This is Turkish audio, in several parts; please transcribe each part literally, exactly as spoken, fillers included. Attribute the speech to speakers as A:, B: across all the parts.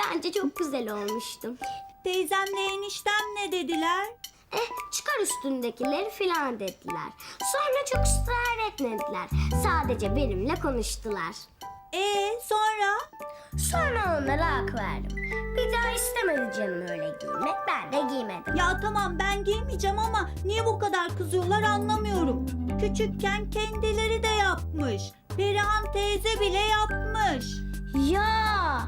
A: Bence çok güzel olmuştu.
B: Teyzemle eniştem ne dediler?
A: Eh, çıkar üstündekileri filan dediler. Sonra çok ısrar etmediler. Sadece benimle konuştular.
B: Ee sonra?
A: Sonra onlara hak verdim. Bir daha istemedi canım öyle giymek. Ben de giymedim.
B: Ya tamam ben giymeyeceğim ama niye bu kadar kızıyorlar anlamıyorum. Küçükken kendileri de yapmış. Perihan teyze bile yapmış.
A: Ya!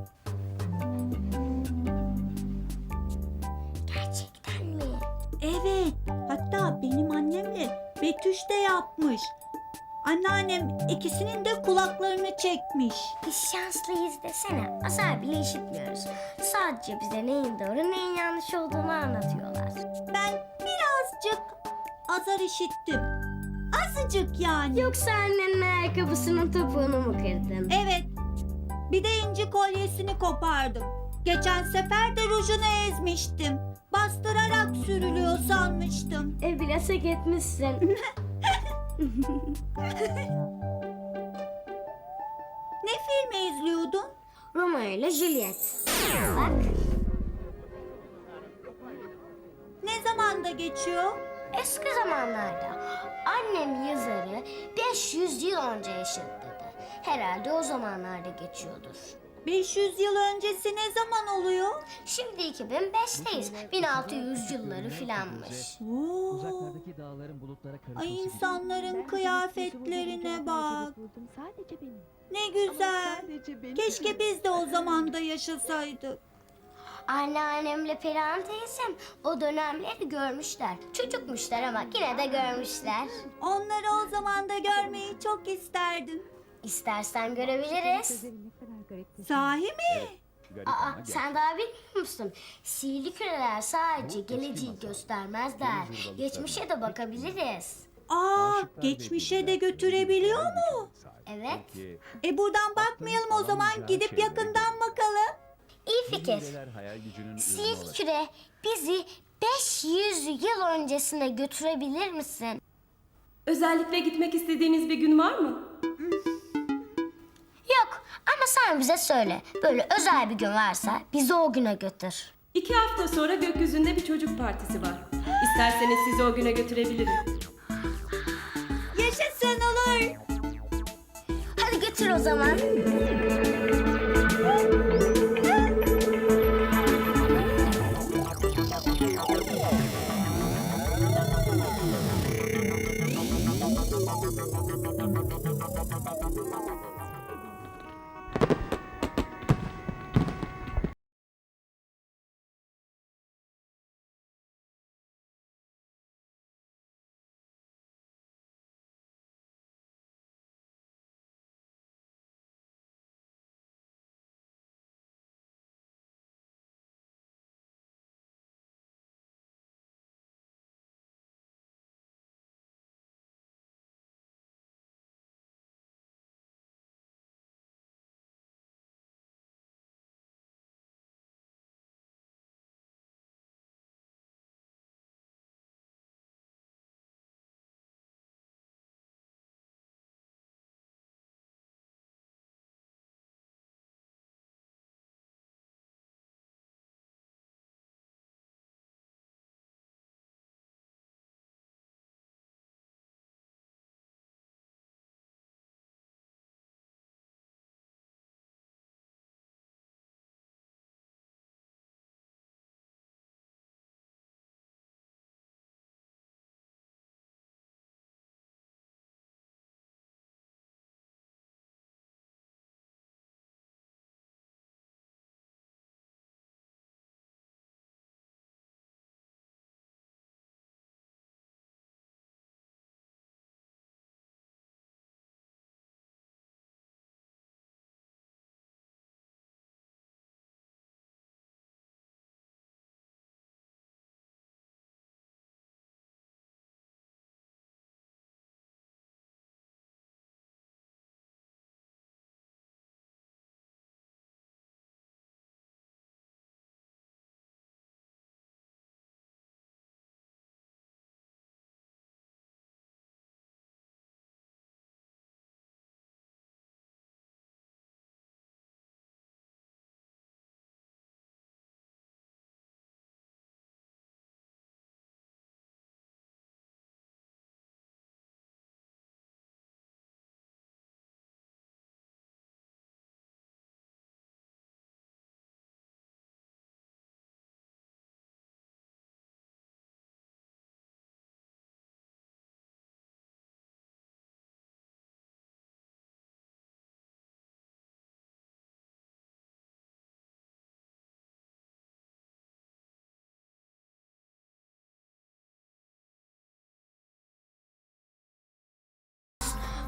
A: Gerçekten mi?
B: Evet, hatta benim annemle Betüş de yapmış. Anneannem ikisinin de kulaklarını çekmiş.
A: Biz şanslıyız desene. Azar bile işitmiyoruz. Sadece bize neyin doğru neyin yanlış olduğunu anlatıyorlar.
B: Ben birazcık azar işittim. Azıcık yani.
A: Yoksa annenin ayakkabısının topuğunu mu kırdın?
B: Evet, bir de inci kolyesini kopardım. Geçen sefer de rujunu ezmiştim. Bastırarak sürülüyor sanmıştım.
A: E biraz hak etmişsin.
B: Ne filmi izliyordun?
A: Romeo ile Juliet. Bak.
B: Ne zamanda geçiyor?
A: Eski zamanlarda annem yazarı beş yüz yıl önce yaşadı dedi. Herhalde o zamanlarda geçiyordur.
B: beş yüz yıl öncesi ne zaman oluyor?
A: Şimdi iki bin beşteyiz. bin altı yüz yılları filanmış.
B: Oo.
C: Uzaklardaki dağların bulutlara karışması
B: Ay
C: gibi.
B: insanların kıyafetlerine bak. Ne güzel. Keşke biz de o zamanda yaşasaydık.
A: Anneannemle Perihan teyzem o dönemleri görmüşler. Çocukmuşlar ama yine de görmüşler.
B: Onları o zaman da görmeyi çok isterdim.
A: İstersen görebiliriz.
B: Sahi mi?
A: Aa, sen daha bilmiyor musun? Sihirli küreler sadece geleceği göstermezler. Geçmişe de bakabiliriz.
B: Aa, geçmişe de götürebiliyor mu?
A: Evet.
B: E buradan bakmayalım o zaman, gidip yakından bakalım.
A: İyi fikir. Sihirli küre bizi beş yüz yıl öncesine götürebilir misin?
D: Özellikle gitmek istediğiniz bir gün var mı?
A: Yok ama sen bize söyle. Böyle özel bir gün varsa bizi o güne götür.
D: İki hafta sonra gökyüzünde bir çocuk partisi var. İsterseniz sizi o güne götürebilirim.
B: Yaşasın, olur.
A: Hadi götür o zaman.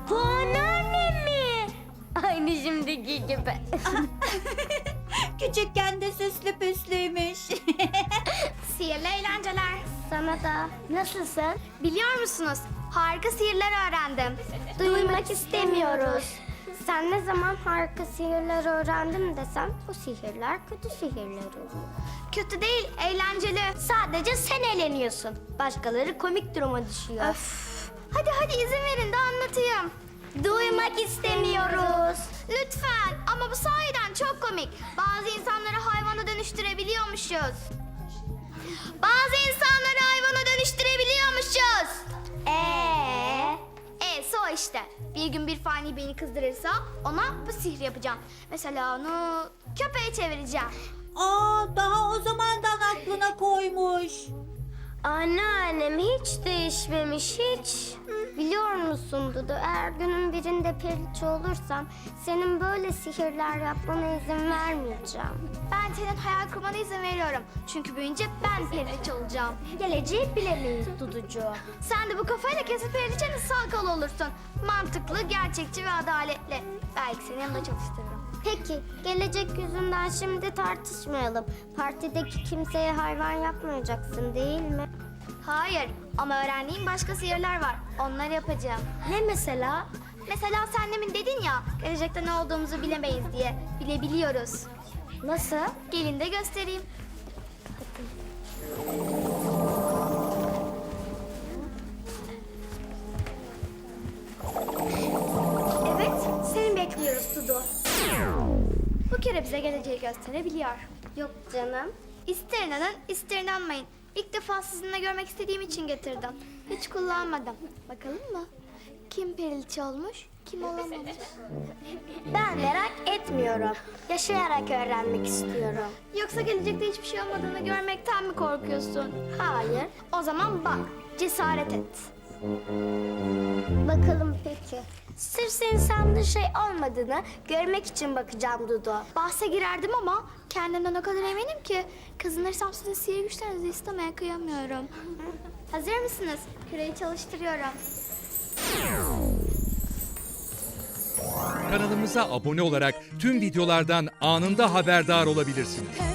A: Bu anneannem mi? Aynı şimdiki gibi.
B: Küçükken de süslü püslüymüş.
E: Sihirli eğlenceler.
A: Sana da. Nasılsın?
E: Biliyor musunuz? Harika sihirler öğrendim.
A: Duymak istemiyoruz. Sen ne zaman harika sihirler öğrendin desem bu sihirler kötü sihirler oluyor.
E: Kötü değil, eğlenceli.
A: Sadece sen eğleniyorsun. Başkaları komik duruma düşüyor.
E: Öf. Hadi hadi izin verin de anlatayım.
A: Duymak istemiyoruz.
E: Lütfen, ama bu sahiden çok komik. Bazı insanları hayvana dönüştürebiliyormuşuz. Bazı insanları hayvana dönüştürebiliyormuşuz.
A: Ee,
E: E'si o işte. Bir gün bir fani beni kızdırırsa ona bu sihri yapacağım. Mesela onu köpeğe çevireceğim.
B: Aa, daha o zamandan aklına koymuş.
A: anneannem hiç değişmemiş hiç. Biliyor musun Dudu, eğer günün birinde periliçe olursam senin böyle sihirler yapmana izin vermeyeceğim.
E: Ben senin hayal kurmana izin veriyorum. Çünkü büyüyünce ben periliçe olacağım.
A: Geleceği bilemeyiz Duducuğum.
E: Sen de bu kafayla kesin periliçenin sağ kolu olursun. Mantıklı, gerçekçi ve adaletli. Belki seni yanında çalıştırırım.
A: Peki, gelecek yüzünden şimdi tartışmayalım. Partideki kimseye hayvan yapmayacaksın değil mi?
E: Hayır, ama öğrendiğim başka sihirler var. Onları yapacağım.
A: Ne mesela?
E: Mesela sen demin dedin ya, gelecekte ne olduğumuzu bilemeyiz diye. Bilebiliyoruz.
A: Nasıl?
E: Gelin de göstereyim. Evet, seni bekliyoruz Dudu. Bu kere bize geleceği gösterebiliyor.
A: Yok canım.
E: İster inanın, ister inanmayın. İlk defa sizinle görmek istediğim için getirdim. Hiç kullanmadım. Bakalım mı? Kim periliçe olmuş, kim olamamış?
A: Ben merak etmiyorum. Yaşayarak öğrenmek istiyorum.
E: Yoksa gelecekte hiçbir şey olmadığını görmekten mi korkuyorsun?
A: Hayır.
E: O zaman bak, cesaret et.
A: Bakalım peki. Sırf senin sandığın şey olmadığını görmek için bakacağım Dudu.
E: Bahse girerdim ama kendimden o kadar eminim ki kazanırsam size sihir güçlerinizi istemeye kıyamıyorum. Hazır mısınız? Küreyi çalıştırıyorum.
F: Kanalımıza abone olarak tüm videolardan anında haberdar olabilirsiniz.